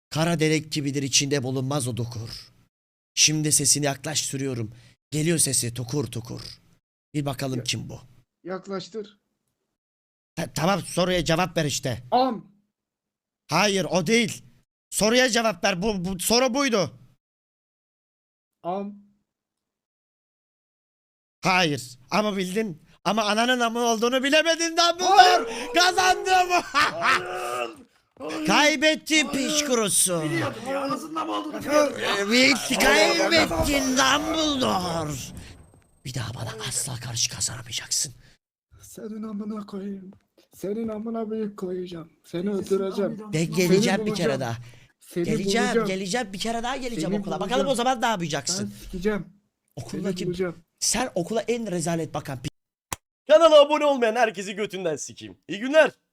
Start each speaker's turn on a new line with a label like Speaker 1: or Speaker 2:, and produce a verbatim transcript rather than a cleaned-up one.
Speaker 1: Kara delik gibidir, içinde bulunmaz o dokur. Şimdi sesini yaklaş sürüyorum. Geliyor sesi tukur tukur. Bir bakalım
Speaker 2: Ya-
Speaker 1: kim bu?
Speaker 2: Yaklaştır.
Speaker 1: Ta- tamam, soruya cevap ver işte.
Speaker 2: Am.
Speaker 1: Hayır, o değil. Soruya cevap ver. Bu, bu soru buydu.
Speaker 2: Am.
Speaker 1: Hayır. Ama bildin. Ama ananın amı olduğunu bilemedin Dumbledore. Kazandım. Kaybettin piç kurusu.
Speaker 3: Biliyordum ya, anasından mı olduğunu biliyordum ya.
Speaker 1: Evet, kaybettin Dumbledore. Bir daha bana asla karşı kazanamayacaksın.
Speaker 2: Senin amına koyayım. Senin amına büyük koyacağım. Seni öldüreceğim.
Speaker 1: De
Speaker 2: Seni
Speaker 1: geleceğim bir
Speaker 2: bulacağım.
Speaker 1: kere daha.
Speaker 2: Seni
Speaker 1: Geleceğim,
Speaker 2: bulacağım.
Speaker 1: geleceğim bir kere daha geleceğim
Speaker 2: Seni
Speaker 1: okula.
Speaker 2: bulacağım.
Speaker 1: Bakalım o zaman ne
Speaker 2: Ben
Speaker 1: yapacaksın?
Speaker 2: sikeceğim. Seni
Speaker 1: Okuldaki
Speaker 2: bulacağım.
Speaker 1: sen okula en rezalet bakan pi-
Speaker 4: Kanala abone olmayan herkesi götünden sikeyim. İyi günler.